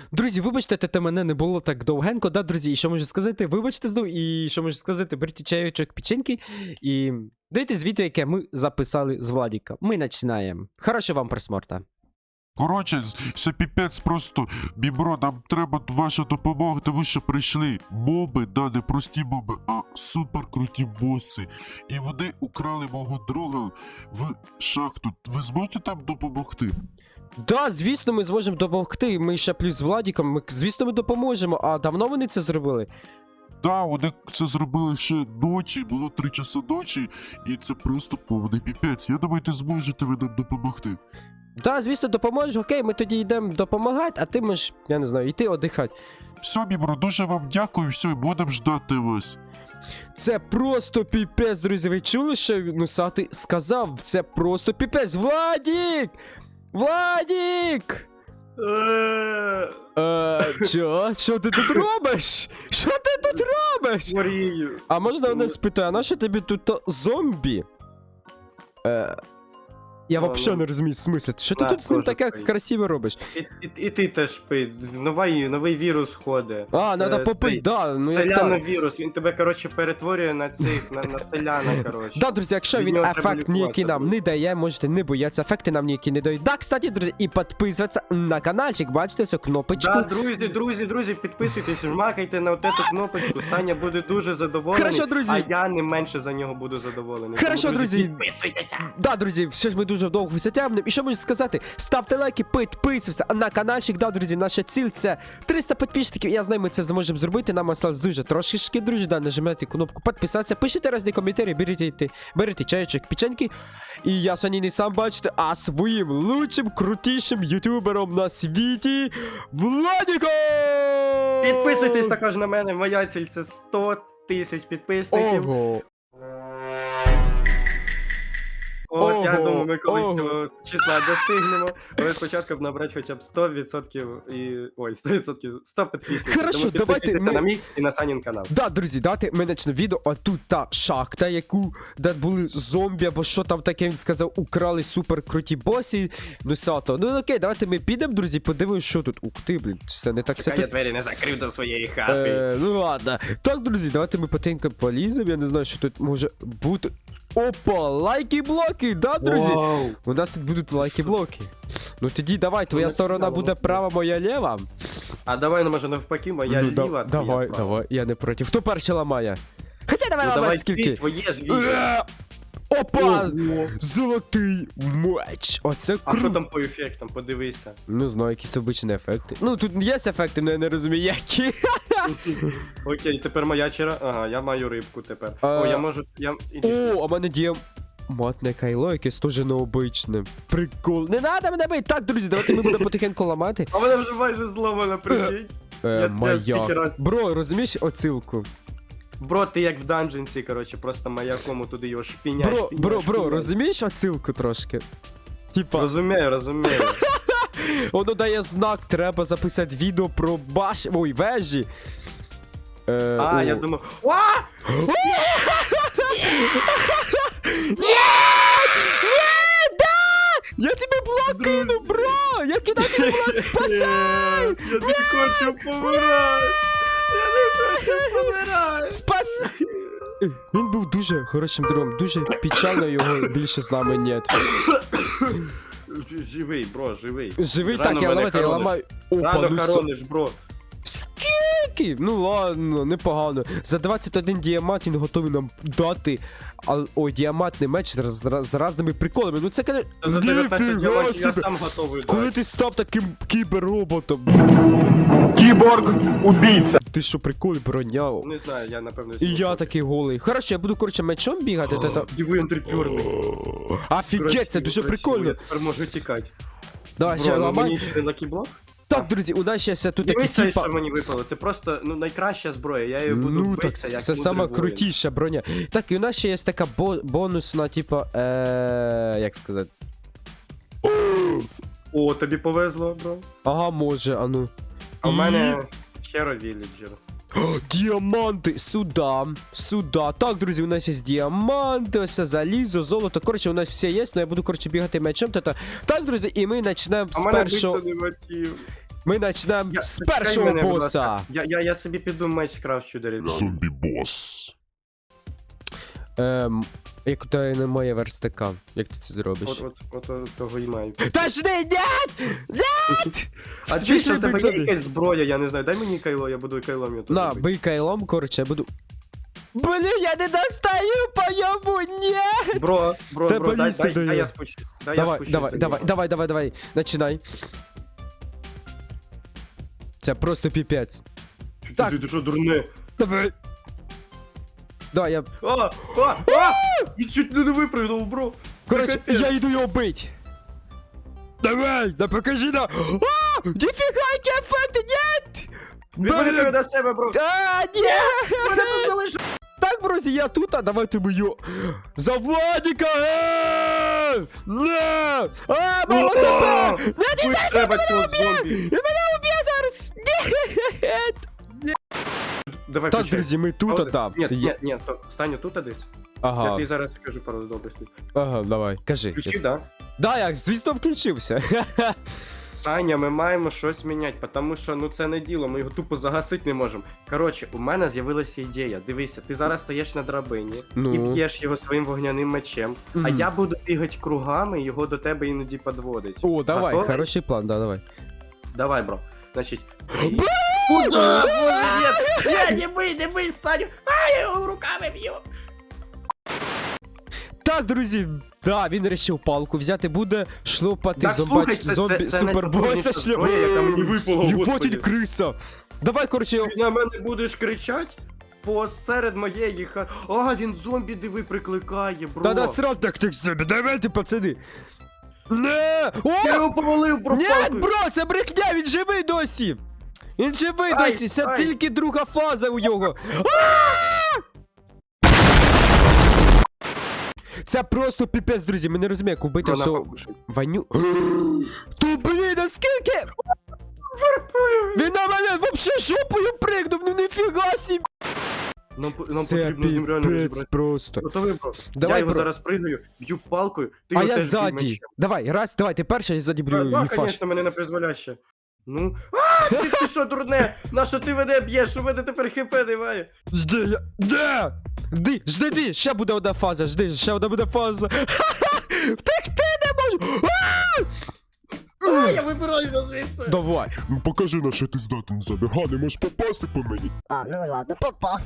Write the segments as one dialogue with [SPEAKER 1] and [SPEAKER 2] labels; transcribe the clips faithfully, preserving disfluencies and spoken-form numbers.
[SPEAKER 1] Друзі, вибачте, те мене не було так довгенько, да, друзі, і що можу сказати? Вибачте знову, і що можу сказати? Беріть чайочок, печеньки, і дивіться відео, яке ми записали з Владіка. Ми починаємо. Хорошого вам просмотра.
[SPEAKER 2] Коротше, це піпець просто, бібро, нам треба ваша допомога, тому що прийшли моби, да, не прості моби, а суперкруті боси. І вони украли мого друга в шахту. Ви зможете там допомогти?
[SPEAKER 1] Да, звісно, ми зможемо допомогти. Ми ще плюс з Владіком, ми, звісно, ми допоможемо. А давно вони це зробили?
[SPEAKER 2] Да, вони це зробили ще ночі, було три часа ночі, і це просто повний піпець. Я думаю, ти зможете ви нам допомогти.
[SPEAKER 1] Да, звісно, допоможеш. Окей, ми тоді йдемо допомагати, а ти можеш, я не знаю, йти одихати.
[SPEAKER 2] Все, бібро, дуже вам дякую, все, будемо ждати вас.
[SPEAKER 1] Це просто піпець, друзі. Ви чули, що Нусатий сказав? Це просто піпець. Владік! Владік! Е, чо? Що ти тут робиш? Що ти тут робиш?
[SPEAKER 3] Хворію.
[SPEAKER 1] А можна мене спитати, а на що тобі тут то зомбі? Е, я
[SPEAKER 3] Ну,
[SPEAKER 1] взагалі
[SPEAKER 3] ну.
[SPEAKER 1] не розумію смисл. Що ти
[SPEAKER 3] На,
[SPEAKER 1] тут з ним
[SPEAKER 3] теж
[SPEAKER 1] таке
[SPEAKER 3] пий.
[SPEAKER 1] красиве робиш?
[SPEAKER 3] І, і, і ти теж пий. Новий, новий вірус ходить.
[SPEAKER 1] А, надо
[SPEAKER 3] Е,
[SPEAKER 1] попити,
[SPEAKER 3] цей
[SPEAKER 1] да, ну як так.
[SPEAKER 3] Селяновірус. Він тебе, коротше, перетворює на цих, на, на селяна, коротше.
[SPEAKER 1] Да, друзі, якщо
[SPEAKER 3] Від
[SPEAKER 1] він
[SPEAKER 3] нього треба
[SPEAKER 1] ефект ніякий
[SPEAKER 3] лікуватися
[SPEAKER 1] нам
[SPEAKER 3] буде.
[SPEAKER 1] не дає, можете не боятися, ефекти нам ніякі не дають. Да, кстати, друзі, і підписуватися на каналчик, бачите цю кнопочку.
[SPEAKER 3] Да, друзі, друзі, друзі, підписуйтесь, жмакайте на отету кнопочку. Саня буде дуже задоволений.
[SPEAKER 1] Хорошо, друзі.
[SPEAKER 3] А я не менше за нього буду задоволений.
[SPEAKER 1] Хорошо,
[SPEAKER 3] Тому,
[SPEAKER 1] друзі.
[SPEAKER 3] Підписуйтеся.
[SPEAKER 1] Да, друзі, все ж ми дуже довго затягнемо. І що можу сказати? Ставте лайки, підписуйтесь на каналчик. Да, друзі, наша ціль це триста підписчиків. Я знаю, ми це зможемо зробити. Нам осталось дуже трошечки, друзі. Да, нажимайте кнопку підписатися. Пишіть різні коментарі, беріть, беріть чайочок, печеньки. І я сьогодні не сам бачите, а своїм лучшим, крутішим ютубером на світі Владіком!
[SPEAKER 3] Підписуйтесь також на мене. Моя ціль це сто тисяч підписників.
[SPEAKER 1] Ого.
[SPEAKER 3] От, я
[SPEAKER 1] Ого,
[SPEAKER 3] думаю, ми колись
[SPEAKER 1] ого.
[SPEAKER 3] цього числа достигнемо. Але спочатку б набрати хоча б сто відсотків і. Ой, сто відсотків, сто підписників.
[SPEAKER 1] Хорошо,
[SPEAKER 3] Тому
[SPEAKER 1] давайте
[SPEAKER 3] підписуйтеся
[SPEAKER 1] ми-
[SPEAKER 3] на мій і на Санін канал.
[SPEAKER 1] Да, друзі, давайте ми почнемо відео, а тут та шахта, яку, де були зомбі, або що там таке, він сказав, украли супер круті босі, ну сато. Ну окей, давайте ми підемо, друзі, подивимось, що тут. Ух ти, блін, це не так все
[SPEAKER 3] Чекай, я
[SPEAKER 1] тут.
[SPEAKER 3] двері не закрив до своєї хати.
[SPEAKER 1] Е, ну ладно. Так, друзі, давайте ми потенько поліземо, я не знаю, що тут може бути. Опа, лайки-блоки, да, друзі?
[SPEAKER 3] Вау.
[SPEAKER 1] У нас тут будуть лайки-блоки. Ну тоді давай, твоя
[SPEAKER 3] Ну,
[SPEAKER 1] сторона
[SPEAKER 3] цікаво.
[SPEAKER 1] буде права, моя лєва.
[SPEAKER 3] А давай, ну може навпаки, моя
[SPEAKER 1] Ну, да-
[SPEAKER 3] ліва. твоя
[SPEAKER 1] давай,
[SPEAKER 3] права.
[SPEAKER 1] давай, я не проти. Хто перший ламає? Хоча давай
[SPEAKER 3] Ну
[SPEAKER 1] ламати
[SPEAKER 3] давай
[SPEAKER 1] скільки.
[SPEAKER 3] ти, твоє ж відео.
[SPEAKER 1] Е, Опа!
[SPEAKER 3] Ого.
[SPEAKER 1] Золотий меч! Оце
[SPEAKER 3] А що
[SPEAKER 1] круто!
[SPEAKER 3] там по ефектам, подивися.
[SPEAKER 1] Не знаю, якісь обичні ефекти. Ну, тут є ефекти, але я не розумію, які.
[SPEAKER 3] Окей, тепер моя чера. Ага, я маю рибку тепер.
[SPEAKER 1] А.
[SPEAKER 3] О, я можу. Я... іди.
[SPEAKER 1] О, а в мене діє матне кайло, якесь теж необичне. Прикол. Не надо мене бити! Так, друзі, давайте ми будемо потихеньку ламати.
[SPEAKER 3] А вона вже майже зломана, прикинь.
[SPEAKER 1] Е,
[SPEAKER 3] я
[SPEAKER 1] моя.
[SPEAKER 3] скільки раз-
[SPEAKER 1] Бро, розумієш оцилку?
[SPEAKER 3] Бро, ти як в данженсі, коротше, просто маякому туди його шпінять.
[SPEAKER 1] Бро,
[SPEAKER 3] шпінять,
[SPEAKER 1] бро, бро,
[SPEAKER 3] шпінять.
[SPEAKER 1] розумієш оцилку трошки? Типа,
[SPEAKER 3] Розумію, розумію.
[SPEAKER 1] воно дає знак, треба записати відео про баш... Ой, вежі. Е,
[SPEAKER 3] А,
[SPEAKER 1] о.
[SPEAKER 3] я думав. А!
[SPEAKER 1] Я тобі блок кину, бро! Я кидаю тобі блок, спасай!
[SPEAKER 3] Ні, Я не хочу помирати! Я не хочу помирати!
[SPEAKER 1] Спас! Він був дуже хорошим другом, дуже печально його більше з нами нет.
[SPEAKER 3] Живий, бро, живий.
[SPEAKER 1] Живий,
[SPEAKER 3] Рано
[SPEAKER 1] так, я
[SPEAKER 3] мене
[SPEAKER 1] ламати, я
[SPEAKER 3] хорониш.
[SPEAKER 1] ламаю. Опа,
[SPEAKER 3] Рано
[SPEAKER 1] ну со...
[SPEAKER 3] хорониш, бро.
[SPEAKER 1] Скільки? Ну ладно, непогано. За двадцять один діамант він готовий нам дати. А, ой, діамантний меч з, з, з разними приколами. Ну це каже.
[SPEAKER 3] За дев'ятнадцять
[SPEAKER 1] Ніфіга
[SPEAKER 3] діамантів я
[SPEAKER 1] собі.
[SPEAKER 3] сам готовий
[SPEAKER 1] Коли
[SPEAKER 3] дати.
[SPEAKER 1] ти став таким кіберроботом?
[SPEAKER 4] Киборг-убийца.
[SPEAKER 1] Ти що, прикол броня?
[SPEAKER 3] Не знаю, я напевно...
[SPEAKER 1] І я такий голий. Хорошо, я буду, коротше, мечом бігати. та- та-
[SPEAKER 3] Диви, антрепюрний.
[SPEAKER 1] Офігеть, це дуже прикольно.
[SPEAKER 3] Я тепер можу тікати.
[SPEAKER 1] Давай, ще
[SPEAKER 3] Бро, ну
[SPEAKER 1] ламай.
[SPEAKER 3] мені ще не лакіблок?
[SPEAKER 1] Так, друзі, у нас ще все тут такі
[SPEAKER 3] Дивися,
[SPEAKER 1] типа.
[SPEAKER 3] що мені випало. Це просто, ну, найкраща зброя. Я її буду
[SPEAKER 1] Ну так,
[SPEAKER 3] битися, як
[SPEAKER 1] це
[SPEAKER 3] мудрий
[SPEAKER 1] сама
[SPEAKER 3] воїн.
[SPEAKER 1] крутіша броня. Так, і у нас ще є така бо- бонусна, типа, е, як сказати.
[SPEAKER 3] О, тобі повезло, бро.
[SPEAKER 1] Ага, може, а ну.
[SPEAKER 3] А в
[SPEAKER 1] І-
[SPEAKER 3] мене Hero Villager.
[SPEAKER 1] О, діаманти! Сюда, сюда. Так, друзі, у нас є діаманти, ось це залізо, золото. Коротше, у нас все є, але я буду, коротше, бігати мечем. Та-та. Так, друзі, і ми почнемо
[SPEAKER 3] А
[SPEAKER 1] з
[SPEAKER 3] в мене
[SPEAKER 1] першого.
[SPEAKER 3] биться не мотив.
[SPEAKER 1] Ми почнемо
[SPEAKER 3] Я-
[SPEAKER 1] з
[SPEAKER 3] чекай
[SPEAKER 1] першого
[SPEAKER 3] мене, будь
[SPEAKER 1] боса.
[SPEAKER 3] ласка. Я, я, я собі піду меч крафчу дерев'яний.
[SPEAKER 2] Зомбі-бос.
[SPEAKER 1] Ем, як у тебе немає верстака, як ти це зробиш?
[SPEAKER 3] От, от, от, от того і маю.
[SPEAKER 1] Та ж не, нет! Нет!
[SPEAKER 3] А чи
[SPEAKER 1] Смішний
[SPEAKER 3] що в тебе
[SPEAKER 1] бик
[SPEAKER 3] є
[SPEAKER 1] зомбі.
[SPEAKER 3] якась зброя, я не знаю, дай мені кайло, я буду кайлом я
[SPEAKER 1] На,
[SPEAKER 3] тут.
[SPEAKER 1] бий кайлом, коротше, я буду... Блін, я не достаю по йому, ні!
[SPEAKER 3] Бро, бро,
[SPEAKER 1] Та
[SPEAKER 3] бро, дай,
[SPEAKER 1] полізти
[SPEAKER 3] дай,
[SPEAKER 1] до
[SPEAKER 3] дай
[SPEAKER 1] нього.
[SPEAKER 3] я спущу. Дай я
[SPEAKER 1] Давай,
[SPEAKER 3] спущусь
[SPEAKER 1] давай,
[SPEAKER 3] до
[SPEAKER 1] давай,
[SPEAKER 3] нього.
[SPEAKER 1] давай, давай, давай, начинай. Це просто піпець.
[SPEAKER 3] Ти-
[SPEAKER 1] Так.
[SPEAKER 3] Ти, ти що, дурне?
[SPEAKER 1] Давай. Давай, я...
[SPEAKER 3] А, а, а! І чуть не випрыгнув, бро.
[SPEAKER 1] Коротше,
[SPEAKER 3] Це капець.
[SPEAKER 1] я йду його бить. Давай, да покажи на... А! Ніфіга, які ефекти, нет!
[SPEAKER 3] Відвали тебе до себе, бро.
[SPEAKER 1] А, ні!
[SPEAKER 3] Мене тут залишив.
[SPEAKER 1] Так, друзі, я тут, а давайте ми його... За Владіка! Е! Не! А, мало тебе! Не, не, зараз
[SPEAKER 3] Треба
[SPEAKER 1] він
[SPEAKER 3] цього
[SPEAKER 1] мене уб'є!
[SPEAKER 3] зомбі.
[SPEAKER 1] Він мене уб'є зараз! Ні!
[SPEAKER 3] Давай,
[SPEAKER 1] Так,
[SPEAKER 3] включай.
[SPEAKER 1] друзі, ми тут, а
[SPEAKER 3] Пауза.
[SPEAKER 1] там.
[SPEAKER 3] Ні,
[SPEAKER 1] Є-
[SPEAKER 3] ні, ні, стоп. Встань тут десь. Я
[SPEAKER 1] Ага,
[SPEAKER 3] тобі зараз скажу пару добростей.
[SPEAKER 1] ага, давай, кажи.
[SPEAKER 3] Включи, да?
[SPEAKER 1] Да, я, звісно, включився.
[SPEAKER 3] Саня, ми маємо щось міняти, тому що ну це не діло, ми його тупо загасити не можемо. Коротше, у мене з'явилася ідея. Дивися, ти зараз стоїш на драбині
[SPEAKER 1] Ну.
[SPEAKER 3] і б'єш його своїм вогняним мечем, а
[SPEAKER 1] Мгм.
[SPEAKER 3] я буду бігати кругами і його до тебе іноді підводить.
[SPEAKER 1] О, давай,
[SPEAKER 3] Готовий?
[SPEAKER 1] хороший план, да, давай.
[SPEAKER 3] Давай, бро. Значить. Куда? Боже, нет! Не, не бий, не бий, Саню! А, я його руками б'ю!
[SPEAKER 1] Так, друзі, да, він вирішив палку взяти, буде шлопати
[SPEAKER 3] Так,
[SPEAKER 1] зомбач,
[SPEAKER 3] слухай, це-
[SPEAKER 1] зомбі,
[SPEAKER 3] це- це
[SPEAKER 1] супербоса
[SPEAKER 3] найпотужніша
[SPEAKER 1] шльоп.
[SPEAKER 3] зброя, яка мені випала,
[SPEAKER 1] Єбать,
[SPEAKER 3] господи.
[SPEAKER 1] він криса. Давай, коротше,
[SPEAKER 3] Ти на мене будеш кричати посеред моєї ха... А, він зомбі, диви, прикликає, бро.
[SPEAKER 1] та насрав так так собі, давайте, пацани. Не!
[SPEAKER 3] Я
[SPEAKER 1] О!
[SPEAKER 3] його повалив, бро,
[SPEAKER 1] Ні,
[SPEAKER 3] палкою.
[SPEAKER 1] бро, це брехня, він живий досі. Він живий
[SPEAKER 3] Ай,
[SPEAKER 1] досі, це
[SPEAKER 3] ай.
[SPEAKER 1] тільки друга фаза у нього. Це просто піпець, друзі, ми не розуміємо, як убити
[SPEAKER 3] Бро, на
[SPEAKER 1] всього
[SPEAKER 3] покушай.
[SPEAKER 1] Ваню. То блін, наскільки? Він на мене вообще жопою пригнув, ну ніфіга собі.
[SPEAKER 3] Нам, по- нам
[SPEAKER 1] Це
[SPEAKER 3] потрібно з ним реально
[SPEAKER 1] піпець
[SPEAKER 3] розібрати.
[SPEAKER 1] просто.
[SPEAKER 3] Готовий, бро?
[SPEAKER 1] Давай,
[SPEAKER 3] я його
[SPEAKER 1] бро.
[SPEAKER 3] зараз пригаю, б'ю палкою, ти
[SPEAKER 1] А
[SPEAKER 3] його
[SPEAKER 1] я
[SPEAKER 3] теж бій
[SPEAKER 1] ззаді.
[SPEAKER 3] мечем.
[SPEAKER 1] Давай, раз, давай, ти перший, я ззаді
[SPEAKER 3] Да,
[SPEAKER 1] блю,
[SPEAKER 3] да,
[SPEAKER 1] не фаш.
[SPEAKER 3] конечно, мене не призволяще. Ну. А, ти, ти що, дурне? На що ти мене б'єш? У мене тепер хп немає.
[SPEAKER 1] Жди, я... Де? Жди, жди, жди, ще буде одна фаза, жди, ще одна буде фаза. Втекти не можу.
[SPEAKER 3] А, я вибираюся звідси.
[SPEAKER 1] Давай.
[SPEAKER 2] Ну покажи, на що ти здатен, зомбі. Га, не можеш попасти по мені.
[SPEAKER 4] А, ну ладно, попав.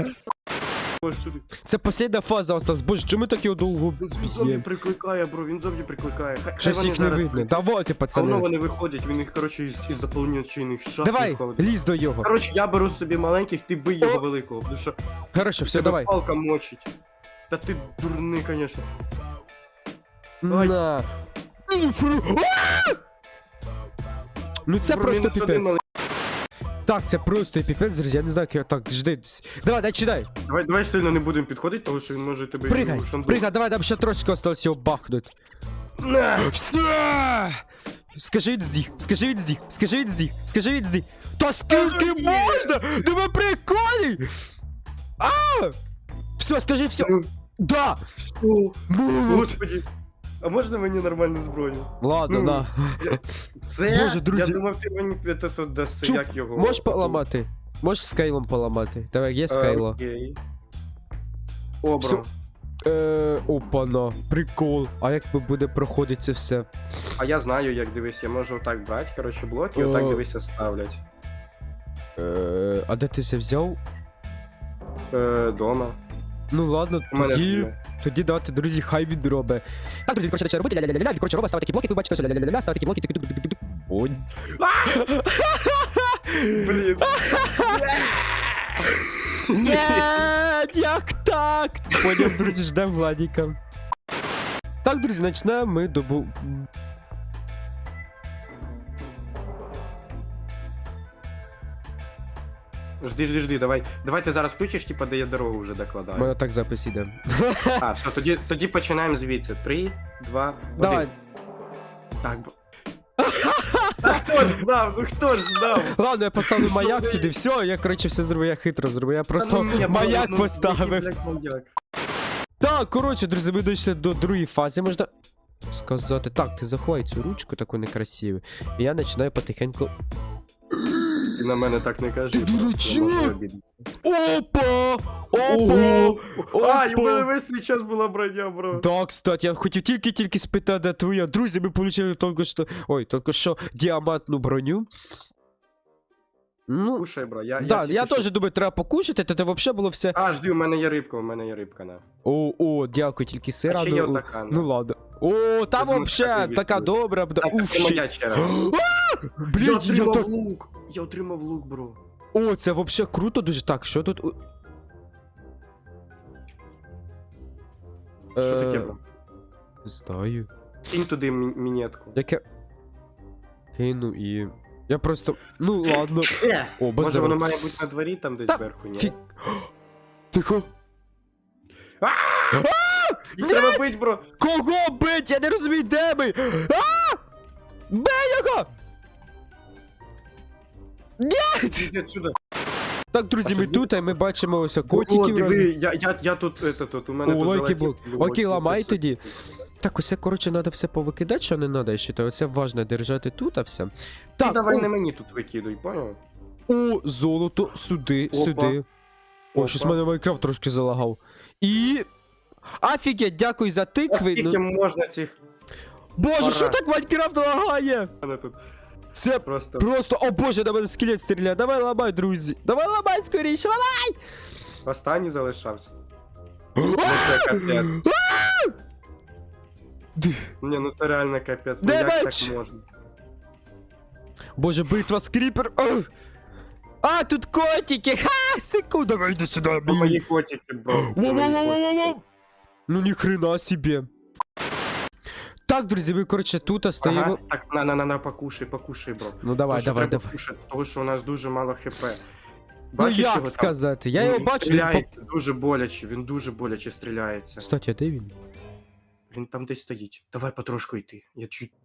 [SPEAKER 3] Ось сюди.
[SPEAKER 1] Це остання фаза осталась. Боже, чому так його довго
[SPEAKER 3] Він зомбі
[SPEAKER 1] б'є?
[SPEAKER 3] прикликає, бро, він зомбі прикликає. Хай- хай
[SPEAKER 1] Щось
[SPEAKER 3] вони
[SPEAKER 1] їх не
[SPEAKER 3] зараз
[SPEAKER 1] видно.
[SPEAKER 3] прийдуть.
[SPEAKER 1] Давайте,
[SPEAKER 3] А воно
[SPEAKER 1] пацани.
[SPEAKER 3] вони виходять, він їх, коротше, із, із доповнюючих шахт
[SPEAKER 1] Давай,
[SPEAKER 3] виходить.
[SPEAKER 1] лізь до його.
[SPEAKER 3] Коротше, я беру собі маленьких, ти бий його
[SPEAKER 1] О!
[SPEAKER 3] великого, тому що
[SPEAKER 1] Хорошо, все,
[SPEAKER 3] тебе
[SPEAKER 1] давай.
[SPEAKER 3] палка мочить. Та ти дурний, конечно. Ай.
[SPEAKER 1] На. Ну, фру- А! Ну це
[SPEAKER 3] Бро,
[SPEAKER 1] просто
[SPEAKER 3] мінус один
[SPEAKER 1] піпець.
[SPEAKER 3] малий.
[SPEAKER 1] Так, це просто піпець, друзі, я не знаю, як я так, жди. Давай, дай, читай.
[SPEAKER 3] Давай, давай сильно не будемо підходити, тому що він може тебе
[SPEAKER 1] Пригай,
[SPEAKER 3] шандух.
[SPEAKER 1] пригай, давай, там ще трошки осталось його бахнуть.
[SPEAKER 3] На!
[SPEAKER 1] Все! Скажи від здіх, скажи від здіх, скажи від здіх, скажи від здіх. Та скільки
[SPEAKER 3] Ні.
[SPEAKER 1] можна? Да ви приколі! А! Все, скажи все.
[SPEAKER 3] Ну,
[SPEAKER 1] Да!
[SPEAKER 3] о,
[SPEAKER 1] Ну,
[SPEAKER 3] Господи. А можна мені нормальну зброю?
[SPEAKER 1] Ладно,
[SPEAKER 3] Ну,
[SPEAKER 1] на.
[SPEAKER 3] Це?
[SPEAKER 1] Боже, друзі.
[SPEAKER 3] Я думав, ти мені це тут даси,
[SPEAKER 1] Чуп,
[SPEAKER 3] як його.
[SPEAKER 1] Можеш поламати? Можеш скайлом поламати? Давай, є
[SPEAKER 3] Е,
[SPEAKER 1] скайло.
[SPEAKER 3] Окей. О,
[SPEAKER 1] Всё.
[SPEAKER 3] бро.
[SPEAKER 1] Е, опана, прикол. А як би буде проходити це все?
[SPEAKER 3] А я знаю, як дивись, я можу отак брати, коротше, блоки, і
[SPEAKER 1] О.
[SPEAKER 3] отак дивися ставлять.
[SPEAKER 1] Е, а де ти це взяв?
[SPEAKER 3] Е, дома.
[SPEAKER 1] Ну ладно,
[SPEAKER 3] У мене
[SPEAKER 1] тоді,
[SPEAKER 3] дома.
[SPEAKER 1] тоді давайте, друзі, хай він робить. Так, друзі, коротше, почали робити, ля-ля-ля-ля, він, коротше, робить, ставить такі блоки, ви бачите, ось, ля-ля-ля-ля, ставить такі блоки, тик-тик-тик-тик-тик. Ой.
[SPEAKER 3] Блін.
[SPEAKER 1] Нет, як так? Поняв, друзі, ждем Владіка. Так, друзі, почнемо ми добу...
[SPEAKER 3] Жди, жди, жди, давай. Давай ти зараз включиш, типа, де я дорогу вже
[SPEAKER 1] У мене
[SPEAKER 3] докладаю.
[SPEAKER 1] так запис іде.
[SPEAKER 3] А, все, тоді, тоді починаємо звідси. Три, два,
[SPEAKER 1] Давай.
[SPEAKER 3] один. Так, бо... А хто ж знав? Ну хто ж знав?
[SPEAKER 1] Ладно, я поставлю
[SPEAKER 3] Що
[SPEAKER 1] маяк
[SPEAKER 3] ви?
[SPEAKER 1] сюди, все, я, коротше, все зробив, я хитро зробив, я просто
[SPEAKER 3] Та ну ні,
[SPEAKER 1] маяк
[SPEAKER 3] ну, ну,
[SPEAKER 1] поставив.
[SPEAKER 3] який, блядь, маяк?
[SPEAKER 1] Так, коротше, друзі, ми дійшли до другої фази, можна... сказати. Так, ти заховай цю ручку таку некрасиву. І я починаю потихеньку.
[SPEAKER 3] Ти на мене так не кажи.
[SPEAKER 1] Ти
[SPEAKER 3] бро, я
[SPEAKER 1] дурачок!
[SPEAKER 3] можу обідатися.
[SPEAKER 1] Опа!
[SPEAKER 3] Ого!
[SPEAKER 1] Опа!
[SPEAKER 3] А, і в мене весь цей час була броня, бро.
[SPEAKER 1] Да, кстати, я хотів тільки-тільки спитати, де твоя. Друзі, ми получили тільки що. Ой, тільки що діамантну броню. Ну,
[SPEAKER 3] Кушай, бро, я,
[SPEAKER 1] да,
[SPEAKER 3] тільки
[SPEAKER 1] я
[SPEAKER 3] що-
[SPEAKER 1] теж думаю, треба покушати, то це взагалі було все.
[SPEAKER 3] А, жди, у мене є рибка, у мене є рибка, на.
[SPEAKER 1] О, о, дякую, тільки
[SPEAKER 3] А
[SPEAKER 1] сира.
[SPEAKER 3] ще є
[SPEAKER 1] Ну,
[SPEAKER 3] отака, на.
[SPEAKER 1] ну ладно. О, там
[SPEAKER 3] думаю,
[SPEAKER 1] взагалі
[SPEAKER 3] так,
[SPEAKER 1] така
[SPEAKER 3] так,
[SPEAKER 1] добра буде.
[SPEAKER 3] Так,
[SPEAKER 1] Ух,
[SPEAKER 3] це
[SPEAKER 1] щит.
[SPEAKER 3] моя черга.
[SPEAKER 1] Блін,
[SPEAKER 3] Я
[SPEAKER 1] я
[SPEAKER 3] отримав
[SPEAKER 1] так...
[SPEAKER 3] лук! Я отримав лук, бро.
[SPEAKER 1] О, це взагалі круто дуже. Так, що тут? у-
[SPEAKER 3] Що таке,
[SPEAKER 1] Е,
[SPEAKER 3] бро?
[SPEAKER 1] Знаю.
[SPEAKER 3] Кинь туди мі- мінетку.
[SPEAKER 1] Яке. Кину і. Я просто. Ну ладно.
[SPEAKER 3] Е,
[SPEAKER 1] О, без
[SPEAKER 3] Може воно
[SPEAKER 1] дерева.
[SPEAKER 3] має бути на дворі там десь
[SPEAKER 1] Та,
[SPEAKER 3] зверху, ні?
[SPEAKER 1] Фі... Тихо.
[SPEAKER 3] Їх треба бить, бро!
[SPEAKER 1] Кого бить? Я не розумію, де ми? А! Бей його! Ні!
[SPEAKER 3] Іди отсюда.
[SPEAKER 1] Так, друзі,
[SPEAKER 3] А
[SPEAKER 1] ми
[SPEAKER 3] що
[SPEAKER 1] тут, і ми бачимо ось
[SPEAKER 3] О,
[SPEAKER 1] котиків.
[SPEAKER 3] диви,
[SPEAKER 1] Роз...
[SPEAKER 3] я, я, я тут, это, тут, у мене
[SPEAKER 1] О,
[SPEAKER 3] тут
[SPEAKER 1] лайки
[SPEAKER 3] золоті
[SPEAKER 1] блок.
[SPEAKER 3] блоки,
[SPEAKER 1] Окей,
[SPEAKER 3] це
[SPEAKER 1] ламай
[SPEAKER 3] все.
[SPEAKER 1] тоді. Так, усе, коротше, треба все повикидати, що не треба, я вважаю. Це важно держати тут, а все.
[SPEAKER 3] Ти
[SPEAKER 1] Так,
[SPEAKER 3] давай
[SPEAKER 1] о,
[SPEAKER 3] не мені тут викидуй, поняв?
[SPEAKER 1] о, золото, сюди,
[SPEAKER 3] Опа.
[SPEAKER 1] сюди. О,
[SPEAKER 3] Опа.
[SPEAKER 1] щось в мене Майнкрафт трошки залагав. І... Офігеть, дякую за
[SPEAKER 3] А
[SPEAKER 1] тикви.
[SPEAKER 3] скільки
[SPEAKER 1] Ну...
[SPEAKER 3] можна цих...
[SPEAKER 1] Боже,
[SPEAKER 3] Пора.
[SPEAKER 1] що так Майнкрафт лагає?
[SPEAKER 3] Мене тут
[SPEAKER 1] Це
[SPEAKER 3] просто...
[SPEAKER 1] просто, о боже, на мене скелет стріляє. Давай ламай, друзі. Давай ламай скоріше, ламай!
[SPEAKER 3] Останній залишався. Ну це капець. Ні, ну це реально капець. Ну
[SPEAKER 1] Де
[SPEAKER 3] як
[SPEAKER 1] меч?
[SPEAKER 3] так можна?
[SPEAKER 1] Боже, битва з кріпер. Ох. А, тут котики. Ха, секунду, давай йди сюди,
[SPEAKER 3] Ну, мої
[SPEAKER 1] мій.
[SPEAKER 3] котики, бро. Це мої котики.
[SPEAKER 1] Воу-воу-воу-воу-воу. Ну ні хрена собі. Так, друзі, ми, коротше, тут стоїмо.
[SPEAKER 3] Ага, так, на, на, на, на, покушай, покушай, бро.
[SPEAKER 1] Ну давай,
[SPEAKER 3] Тому що
[SPEAKER 1] давай,
[SPEAKER 3] треба
[SPEAKER 1] давай.
[SPEAKER 3] кушати, з того, що у нас дуже мало хп.
[SPEAKER 1] Ну
[SPEAKER 3] Бачиш його
[SPEAKER 1] як
[SPEAKER 3] там?
[SPEAKER 1] сказати? Я
[SPEAKER 3] Він
[SPEAKER 1] його бачу. він
[SPEAKER 3] Стріляється дуже боляче, він дуже боляче
[SPEAKER 1] по-
[SPEAKER 3] стріляється.
[SPEAKER 1] Кстати, а де він?
[SPEAKER 3] Він там десь стоїть. Давай потрошку йти. Я чуть